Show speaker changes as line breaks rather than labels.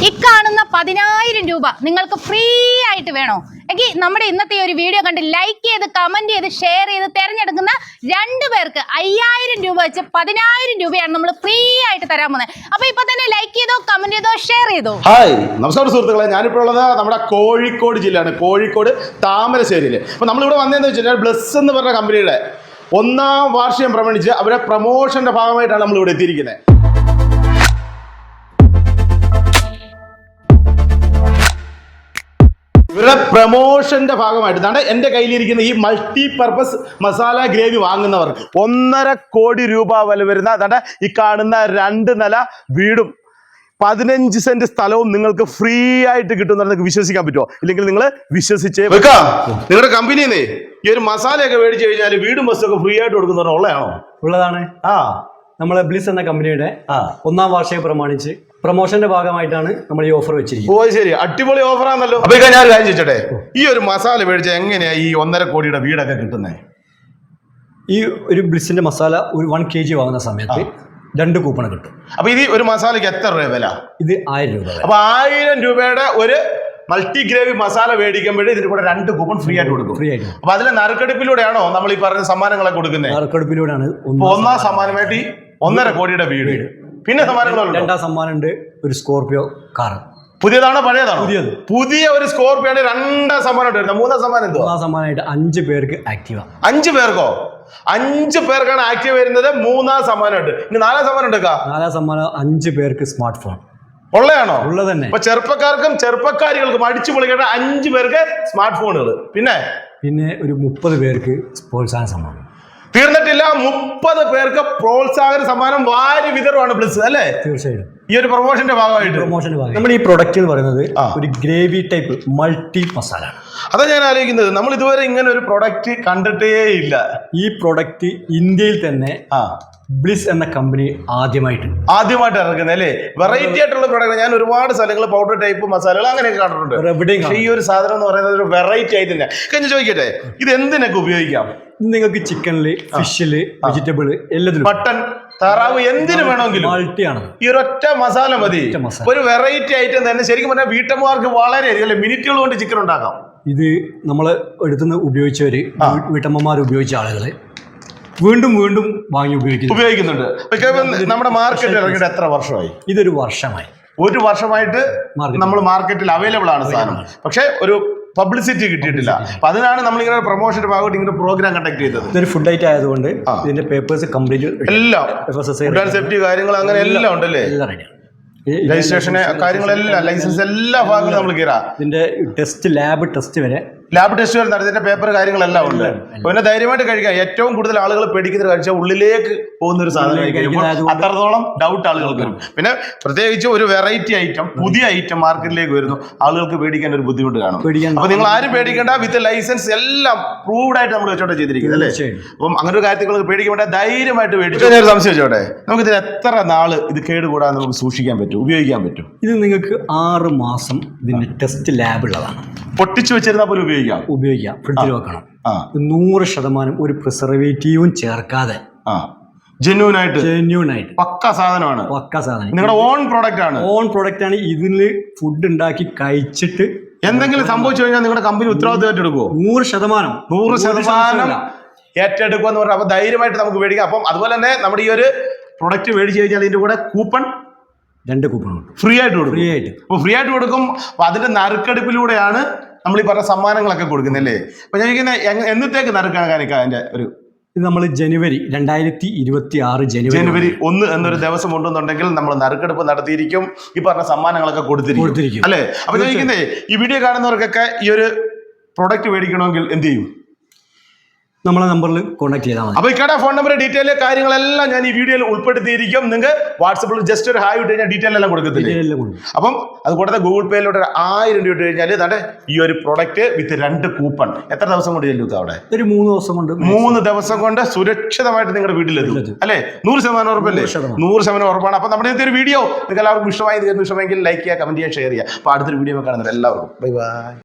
ഈ കാണുന്ന 10,000 രൂപ നിങ്ങൾക്ക് ഫ്രീ ആയിട്ട് വേണോ എങ്കിൽ നമ്മുടെ ഇന്നത്തെ ഒരു വീഡിയോ കണ്ട് ലൈക്ക് ചെയ്ത് കമന്റ് ചെയ്ത് ഷെയർ ചെയ്ത് തിരഞ്ഞെടുക്കുന്ന 2 പേർക്ക് 5,000 രൂപ വെച്ച് 10,000 രൂപയാണ് നമ്മൾ ഫ്രീ ആയിട്ട് തരാൻ പോകുന്നത്. അപ്പൊ ഇപ്പൊ തന്നെ ലൈക്ക് ചെയ്തോ കമന്റ് ചെയ്തോ ഷെയർ ചെയ്തോ.
ഹായ് നമസ്കാരം സുഹൃത്തുക്കളെ, ഞാനിപ്പോൾ ഉള്ളത് നമ്മുടെ കോഴിക്കോട് ജില്ലയാണ്, കോഴിക്കോട് താമരശ്ശേരിയിൽ. അപ്പോൾ നമ്മളിവിടെ വന്നതെന്ന് വെച്ചാൽ ബ്ലസ് എന്ന് പറഞ്ഞ കമ്പനിയുടെ 1ാം വാർഷികം പ്രമാണിച്ച് അവരുടെ പ്രൊമോഷന്റെ ഭാഗമായിട്ടാണ് നമ്മൾ ഇവിടെ എത്തിയിരിക്കുന്നത്. ഇവരുടെ പ്രൊമോഷന്റെ ഭാഗമായിട്ട് എൻ്റെ കയ്യിലിരിക്കുന്ന ഈ മൾട്ടി പർപ്പസ് മസാല ഗ്രേവി വാങ്ങുന്നവർക്ക് 1.5 കോടി രൂപ വില വരുന്ന ഈ കാണുന്ന 2 നില വീടും 15 സെന്റ് സ്ഥലവും നിങ്ങൾക്ക് ഫ്രീ ആയിട്ട് കിട്ടും. നിങ്ങൾക്ക് വിശ്വസിക്കാൻ പറ്റുമോ? ഇല്ലെങ്കിൽ നിങ്ങൾ വിശ്വസിച്ചേ വെക്കാം. നിങ്ങളുടെ കമ്പനിയിൽ ഈ ഒരു മസാലയൊക്കെ മേടിച്ചു കഴിഞ്ഞാൽ വീടും ബസ്സൊക്കെ ഫ്രീ ആയിട്ട് കൊടുക്കുന്നവർ ഉള്ളതാണോ?
ഉള്ളതാണ്. നമ്മളെ ബ്ലിസ് എന്ന കമ്പനിയുടെ 1ാം വാർഷികം പ്രമാണിച്ച് പ്രൊമോഷന്റെ ഭാഗമായിട്ടാണ് നമ്മൾ ഈ ഓഫർ വെച്ചിരിക്കുന്നത്.
ഓ ശരി, അടിപൊളി ഓഫറാണല്ലോ. അപ്പൊ ഞാൻ ഒരു കാര്യം ചോദിച്ചോട്ടെ, ഈ ഒരു മസാല മേടിച്ച എങ്ങനെയാ ഈ 1.5 കോടിയുടെ വീടൊക്കെ കിട്ടുന്നത്?
ഈ ഒരു ബ്ലിസിന്റെ മസാല ഒരു 1 kg വാങ്ങുന്ന സമയത്ത് 2 കൂപ്പൺ കിട്ടും.
അപ്പൊ ഇത് ഒരു മസാലയ്ക്ക് എത്ര രൂപ വില?
ഇത് 1000 രൂപ.
അപ്പൊ 1000 രൂപയുടെ ഒരു മൾട്ടി ഗ്രേവി മസാല മേടിക്കുമ്പോഴേ ഇതിന് കൂടെ 2 കൂപ്പൺ ഫ്രീ ആയിട്ട് കൊടുക്കും.
ഫ്രീ ആയിട്ട്.
അപ്പൊ അതിലെ നറുക്കെടുപ്പിലൂടെയാണോ നമ്മൾ ഈ പറഞ്ഞ സമ്മാനങ്ങളെ കൊടുക്കുന്നത്?
നറുക്കെടുപ്പിലൂടെയാണ്.
1ാം സമ്മാനമായിട്ട് 1.5 കോടിയുടെ വീട്. പിന്നെ സമ്മാനങ്ങളുണ്ട്.
2ാം സമ്മാനം ഉണ്ട്, ഒരു സ്കോർപിയോ കാർ.
പുതിയതാണോ പഴയതാണോ?
പുതിയത്.
പുതിയ ഒരു സ്കോർപിയോ 2ാം സമ്മാനം ഉണ്ട്. 3ാം സമ്മാനം എന്തോ?
3ാം സമ്മാനമായിട്ട് 5 പേർക്ക് ആക്റ്റീവ.
5 പേർക്കോ? 5 പേർക്കാണ് ആക്റ്റീവ് വരുന്നത്. 3ാം സമ്മാനമുണ്ട്. ഇനി 4ാം സമ്മാനം എടുക്കാം.
4ാം സമ്മാനം 5 പേർക്ക് സ്മാർട്ട് ഫോൺ.
ഉള്ളതാണോ?
ഉള്ളത് തന്നെ.
അപ്പൊ ചെറുപ്പക്കാർക്കും ചെറുപ്പക്കാരികൾക്കും അടിച്ചു പൊളിക്കേണ്ട 5 പേർക്ക് സ്മാർട്ട് ഫോണുകൾ. പിന്നെ
ഒരു 30 പേർക്ക് പ്രോത്സാഹന സമ്മാനം.
തീർന്നിട്ടില്ല, 30 പേർക്ക് പ്രോത്സാഹന സമ്മാനം വാരി വിതറുവാണ് ബ്ലിസ്, അല്ലേ?
തീർച്ചയായും.
ഈ ഒരു പ്രൊമോഷന്റെ ഭാഗമായിട്ട്
നമ്മുടെ ഈ പ്രൊഡക്റ്റ് എന്ന് പറയുന്നത് ഒരു ഗ്രേവി ടൈപ്പ് മൾട്ടി മസാല ആണ്.
അതാ ഞാൻ ആലോചിക്കുന്നത്, നമ്മൾ ഇതുവരെ ഇങ്ങനെ ഒരു പ്രൊഡക്റ്റ് കണ്ടിട്ടേ ഇല്ല.
ഈ പ്രൊഡക്റ്റ് ഇന്ത്യയിൽ തന്നെ ബ്ലിസ് എന്ന കമ്പനി ആദ്യമായിട്ട്
ഇറക്കുന്നത്, അല്ലേ? വെറൈറ്റി ആയിട്ടുള്ള പ്രൊഡക്റ്റ്. ഞാൻ ഒരുപാട് സ്ഥലങ്ങൾ പൗഡർ ടൈപ്പ് മസാലകൾ അങ്ങനെയൊക്കെ കണ്ടിട്ടുണ്ട്. പക്ഷേ ഈ ഒരു സാധനം എന്ന് പറയുന്നത് ഒരു വെറൈറ്റി ആയിട്ട് തന്നെ. കഴിഞ്ഞ് ചോദിക്കട്ടെ, ഇത് എന്തിനൊക്കെ ഉപയോഗിക്കാം?
നിങ്ങൾക്ക് ചിക്കനില്, ഫിഷില്, വെജിറ്റബിൾ എല്ലാത്തിലും,
മട്ടൺ, താറാവ്, എന്തിനു വേണമെങ്കിലും
മൾട്ടിയാണ്.
ഈ ഒരൊറ്റ മസാല മതി. ഒരു വെറൈറ്റി ഐറ്റം തന്നെ. ശരിക്കും പറഞ്ഞാൽ വീട്ടമ്മമാർക്ക് വളരെ മിനിറ്റുകൾ കൊണ്ട് ചിക്കൻ ഉണ്ടാക്കാം. ഇത്
നമ്മൾ എടുത്തുനിന്ന് ഉപയോഗിച്ചവര്, വീട്ടമ്മമാർ ഉപയോഗിച്ച ആളുകള് വീണ്ടും വീണ്ടും വാങ്ങി ഉപയോഗിക്കുന്നുണ്ട്.
നമ്മുടെ മാർക്കറ്റിൽ ഇറങ്ങിയിട്ട് എത്ര വർഷമായി?
ഇതൊരു വർഷമായി.
ഒരു വർഷമായിട്ട് നമ്മൾ മാർക്കറ്റിൽ അവൈലബിൾ ആണ് സാധനം. പക്ഷെ ഒരു പബ്ലിസിറ്റി കിട്ടിയിട്ടില്ല. അപ്പൊ അതിനാണ് നമ്മൾ ഇങ്ങനെ പ്രൊമോഷന്റെ ഭാഗമായിട്ട് ഇങ്ങനെ പ്രോഗ്രാം കണ്ടക്ട് ചെയ്തത്.
ഇതൊരു ഫുഡ് ഐറ്റം ആയതുകൊണ്ട് ഇതിന്റെ പേപ്പേഴ്സ് കംപ്ലീറ്റ്
എല്ലാം, സേഫ്റ്റി കാര്യങ്ങൾ അങ്ങനെ എല്ലാം ഉണ്ടല്ലേ? രജിസ്ട്രേഷന് കാര്യങ്ങളെല്ലാം, ലൈസൻസ് എല്ലാ ഭാഗങ്ങളും നമ്മൾ കയറാം.
ഇതിന്റെ ടെസ്റ്റ്, ലാബ് ടെസ്റ്റ് വരെ
നടത്തിന്റെ പേപ്പർ കാര്യങ്ങളെല്ലാം ഉണ്ട്. പിന്നെ ധൈര്യമായിട്ട് കഴിക്കാം. ഏറ്റവും കൂടുതൽ ആളുകൾ പേടിക്കുന്ന കഴിച്ചാൽ ഉള്ളിലേക്ക് പോകുന്ന ഒരു സാധനം, അത്രത്തോളം ഡൗട്ട് ആളുകൾക്ക് വരും. പിന്നെ പ്രത്യേകിച്ച് ഒരു വെറൈറ്റി ഐറ്റം, പുതിയ ഐറ്റം മാർക്കറ്റിലേക്ക് വരുന്നു, ആളുകൾക്ക് പേടിക്കാൻ ഒരു ബുദ്ധിമുട്ട് കാണും. അപ്പൊ നിങ്ങൾ ആരും പേടിക്കേണ്ട. വിത്ത് ലൈസൻസ് എല്ലാം പ്രൂവ്ഡ് ആയിട്ട് നമ്മൾ വെച്ചോട്ടെ ചെയ്തിരിക്കുന്നത്, അല്ലേ? അപ്പം അങ്ങനെ ഒരു കാര്യത്തിൽ പേടിക്കാൻ വേണ്ട, ധൈര്യമായിട്ട് മേടിച്ചു. ഞാൻ സംശയം വെച്ചോട്ടെ, നമുക്ക് ഇതിന് എത്ര നാള് ഇത് കേടുകൂടാതെ നമുക്ക് സൂക്ഷിക്കാൻ പറ്റും, ഉപയോഗിക്കാൻ പറ്റും?
ഇത് നിങ്ങൾക്ക് 6 മാസം ഇതിന്റെ ടെസ്റ്റ് ലാബ് ഉള്ളതാണ്.
പൊട്ടിച്ചു വെച്ചിരുന്നാൽ പോലും ഉപയോഗിക്കാം.
ഫ്രിഡ്ജിൽ വെക്കണം. 100% ഒരു പ്രിസർവേറ്റീവും ചേർക്കാതെ
ജെന്യൂൻ ആയിട്ട് പക്ക സാധനമാണ്. നിങ്ങളുടെ ഓൺ പ്രോഡക്റ്റ് ആണ്.
ഇതില് ഫുഡ് ഉണ്ടാക്കി കഴിച്ചിട്ട്
എന്തെങ്കിലും സംഭവിച്ചു കഴിഞ്ഞാൽ നിങ്ങളുടെ കമ്പനി ഉത്തരവാദിത്തമായിട്ട് എടുക്കുമോ? 100% ഏറ്റെടുക്കുക എന്ന് പറഞ്ഞാൽ. അപ്പൊ ധൈര്യമായിട്ട് നമുക്ക് മേടിക്കാം. അപ്പം അതുപോലെ തന്നെ നമ്മുടെ ഈ ഒരു പ്രൊഡക്റ്റ് മേടിച്ചു കഴിഞ്ഞാൽ ഇതിന്റെ കൂടെ കൂപ്പൺ
2 കൂപ്പൺ
ഫ്രീ ആയിട്ട് കൊടുക്കും. അപ്പൊ അതിന്റെ നറുക്കെടുപ്പിലൂടെയാണ് നമ്മൾ ഈ പറഞ്ഞ സമ്മാനങ്ങളൊക്കെ കൊടുക്കുന്നല്ലേ? അപ്പൊ ഞാൻ എന്നത്തേക്ക് നറുക്കെടുക്കാൻ അതിന്റെ ഒരു
ഇത് നമ്മൾ ജനുവരി 2026
ജനുവരി 1 എന്നൊരു ദിവസം ഉണ്ടെന്നുണ്ടെങ്കിൽ നമ്മൾ നറുക്കെടുപ്പ് നടത്തിയിരിക്കും. ഈ പറഞ്ഞ സമ്മാനങ്ങളൊക്കെ കൊടുത്തിരിക്കും, അല്ലേ? അപ്പൊ ചോദിക്കുന്നേ, ഈ വീഡിയോ കാണുന്നവർക്കൊക്കെ ഈ ഒരു പ്രൊഡക്റ്റ് മേടിക്കണമെങ്കിൽ എന്ത് ചെയ്യും?
നമ്മളെ നമ്പറിൽ കോൺടാക്ട് ചെയ്താൽ മതി.
അപ്പൊ ഇക്കടെ ഫോൺ നമ്പർ, ഡീറ്റെയിൽ കാര്യങ്ങളെല്ലാം ഞാൻ ഈ വീഡിയോയിൽ ഉൾപ്പെടുത്തിയിരിക്കും. നിങ്ങൾക്ക് വാട്സപ്പിൽ ജസ്റ്റ് ഒരു ഹായ് ഇട്ട് കഴിഞ്ഞാൽ ഡീറ്റെയിൽ എല്ലാം കൊടുക്കത്തില്ല. അപ്പം അത് കൂടാതെ ഗൂഗിൾ പേയിലോട്ട് 1000 രൂപ ഇട്ട് കഴിഞ്ഞാൽ ഇതാണ്ട് ഈ ഒരു പ്രൊഡക്റ്റ് വിത്ത് 2 കൂപ്പൺ എത്ര ദിവസം കൊണ്ട് ചെല്ലും? അവിടെ
ഒരു 3 ദിവസം കൊണ്ട്
3 ദിവസം കൊണ്ട് സുരക്ഷിതമായിട്ട് നിങ്ങളുടെ വീട്ടിലെത്തും, അല്ലേ? 100% ഉറപ്പല്ലേ? 100% ഉറപ്പാണ്. അപ്പൊ നമ്മുടെ ഇന്നത്തെ ഒരു വീഡിയോ നിങ്ങൾക്ക് എല്ലാവർക്കും ഇഷ്ടമായെങ്കിൽ ലൈക്ക് ചെയ്യുക, കമന്റ് ചെയ്യുക, ഷെയർ ചെയ്യുക. അപ്പൊ അടുത്തൊരു വീഡിയോ കാണുന്നത് എല്ലാവർക്കും ബൈ ബൈ.